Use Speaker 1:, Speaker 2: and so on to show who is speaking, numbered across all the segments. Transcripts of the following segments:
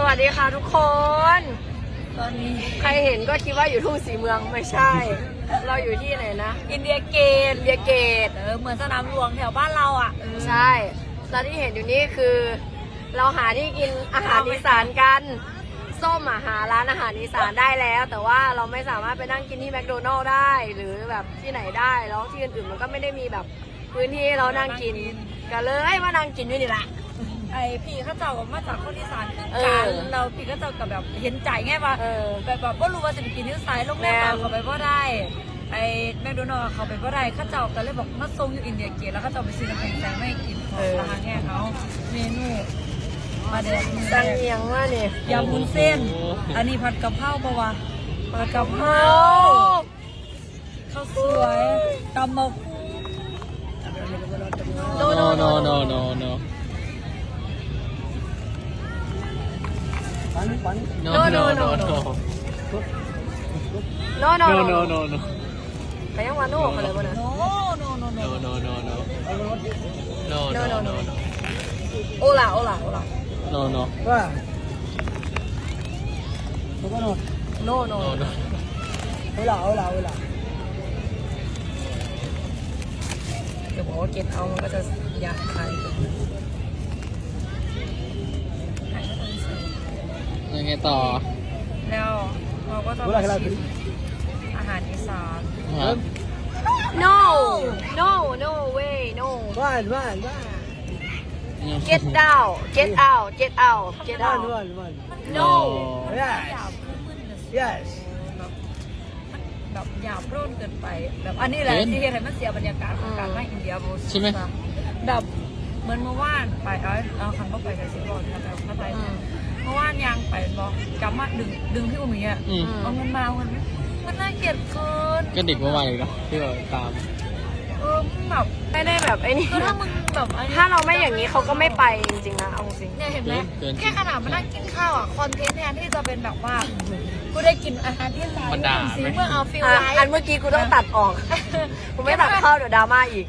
Speaker 1: วัสดีค่ะทุกคน
Speaker 2: ตอนนี้
Speaker 1: ใครเห็นก็คิดว่าอยู่ทุ่งสีเมืองไม่ใช่ เราอยู่ที่ไหนนะ
Speaker 2: อินเดียเกตเหมือนสนามหลวงแถวบ้านเราอ่ะ
Speaker 1: ใช่แล้วที่เห็นอยู่นี่คือ เราหาที่กินอาหารอีสานกันส้มหาร้านอาหารอีสานได้แล้ว แต่ว่าเราไม่สามารถไปนั่งกินที่แมคโดนัลล์ได้หรือแบบที่ไหนได้แล้วที่อื่นๆมันก็ไม่ได้มีแบบพื้นที่ให้เรานั่งกินก็เลยมานั่งกินอยู่นี่แหละ
Speaker 2: ไอพี่เขาเจ้ามาจากคนอีสานคือกันเราพี่เขาเจ้ากับแบบเห็นใจไงว่าแบบว่ารู้ว่าจะไปกินที่ไซน์โรงแรมเขาไปว่าได้ไอแมคโดนัลล์เขาไปว่าได้เขาเจ้าก็เลยบอกมาส่งอยู่อินเดียเกตแล้วเขาเจ้าไปซื้อน้ำแข็งใสไม่กินของราคาแง่เขาเมนูมาเด็ด
Speaker 1: สั่งเอียงว่าเนี่ย
Speaker 2: ยำวุ้นเส้นอันนี้ผัดกะเพราปะวะผัดกะเพราข้าวสวยตำมะคุ
Speaker 3: no no no no no
Speaker 1: no no no no no
Speaker 3: no no no
Speaker 1: ไปยังวันโน่เขาเลยบ่นะ
Speaker 2: no no no
Speaker 3: no no no no no
Speaker 1: no no no โอลา
Speaker 3: no no
Speaker 1: no no เดี๋ยวบอกว่าเก็ตเอามันก็จะอยากขาย
Speaker 3: ยังไงต่อ
Speaker 2: แล้วเราก็จะชิมอาหารอีสาน
Speaker 1: no no no way no get down get out get out get out no
Speaker 4: yes
Speaker 2: แบบหยาบรุ่นเกินไปแบบอันนี้แหละที่เห็นมันเสียบรรยากาศของการมาอินเดียโบ
Speaker 3: ใช่ไหม
Speaker 2: แบบเหมือนเมื่อวานไปเอาคันเข้าไปกับซิบอนแล้วแบบเข้าไปเมื่อวานยางไปบอกกลับมาดึงพี่อุ้มอย่างเงี้ยเอาเงินมามันน่าเกลียดเกิน
Speaker 3: ก็เด็กเมื่อวานเลยนะที่เราตาม
Speaker 2: แบบ
Speaker 1: ไม่ได้แบบไอ้นี่
Speaker 2: ถ้ามึงแบบ
Speaker 1: ถ้าเราไม่อย่างนี้เขาก็ไม่ไปจริงๆนะเอาจริง
Speaker 2: เนี่ยเห็นไหมแค่ขนาดมานั่งกินข้าวอ่ะคอนเทนต์แทนที่จะเป็นแบบว่ากูได้กินอาหารที่ไหนสีเมื่อเอาฟิลไลท์
Speaker 1: อันเมื่อกี้กูต้องตัดออกกูไม่ตัดเข้าเดี๋ยวดราม่าอีก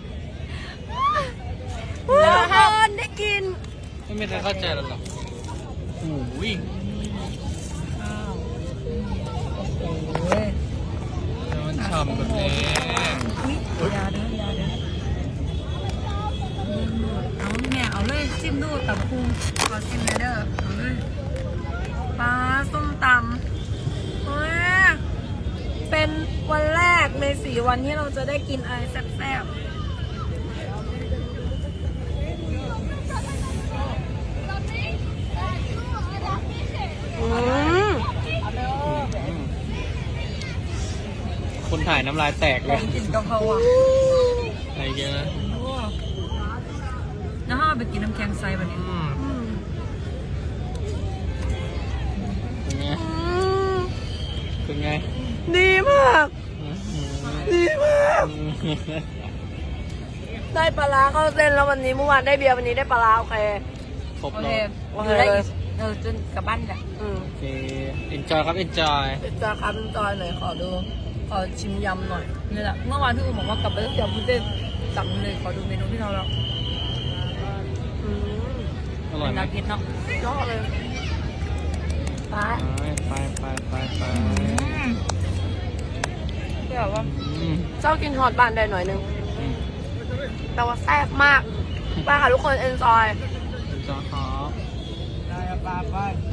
Speaker 1: คนได้กิน
Speaker 3: ไม่มีใครเข้าใจหรอกโอ้ยมันฉ่ำแบบนี้
Speaker 2: ยาเด้เอาแม่เอาเลยจิ้มดูตับพุงขอจิ้มเลยเด้อเอาเลยปลาส้มตำเป็นวันแรกใน4 วันที่เราจะได้กินอะไรแซ่บ
Speaker 3: คนถ่ายน้ำลายแตกเลย
Speaker 2: กินกะเพราอ่ะ
Speaker 3: อะไรเงี้ยนะ
Speaker 2: แล้วถ้าไปกินน้ำแข็งใสแบบนี้
Speaker 3: เป็นไง
Speaker 1: ดีมากได้ปลาเข้าเส้นแล้ววันนี้เมื่อวานได้เบียร์วันนี้ได้ปลาโอเค
Speaker 3: ครบเลย
Speaker 2: อยู่ได้จนกลับบ้านกัน
Speaker 3: โอเค enjoy ครับ enjoy
Speaker 1: ครับ enjoy หน่อยขอชิมยำหน่อย
Speaker 2: นี่แหละเมื่อวานที่อุ้มบอกว่ากลับไปต้องยำพุดเด้งสั่งเลยขอดูเมนูที่เราแล้ว
Speaker 3: อร่อยไหม
Speaker 2: กินเนาะ
Speaker 1: ยอดเลย
Speaker 3: ไป
Speaker 2: ที่แบบว่า
Speaker 1: เจ้ากินฮอตบานได้หน่อยนึงแต่ว่าแซ่บมากไปค่ะทุกคน enjoy
Speaker 3: ครับ
Speaker 4: ได้ไป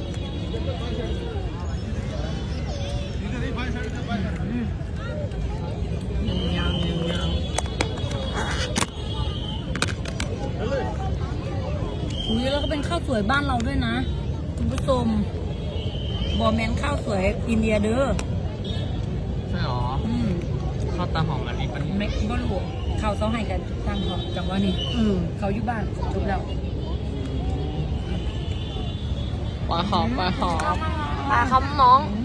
Speaker 2: แล้วก็เป็นข้าวสวยบ้านเราด้วยนะคุณผู้ชมบอแมนข้าวสวยอินเดียเด้อ
Speaker 3: ใช่หรอข้าวตาหอมอันนี้เป็น
Speaker 2: ไม่บ่รู้ข้าวเสาให้กันทางเขาจังว่านี่เขาอยู่บ้านจบแล้ว
Speaker 3: ปลาหอม
Speaker 1: ปลาคำน้อง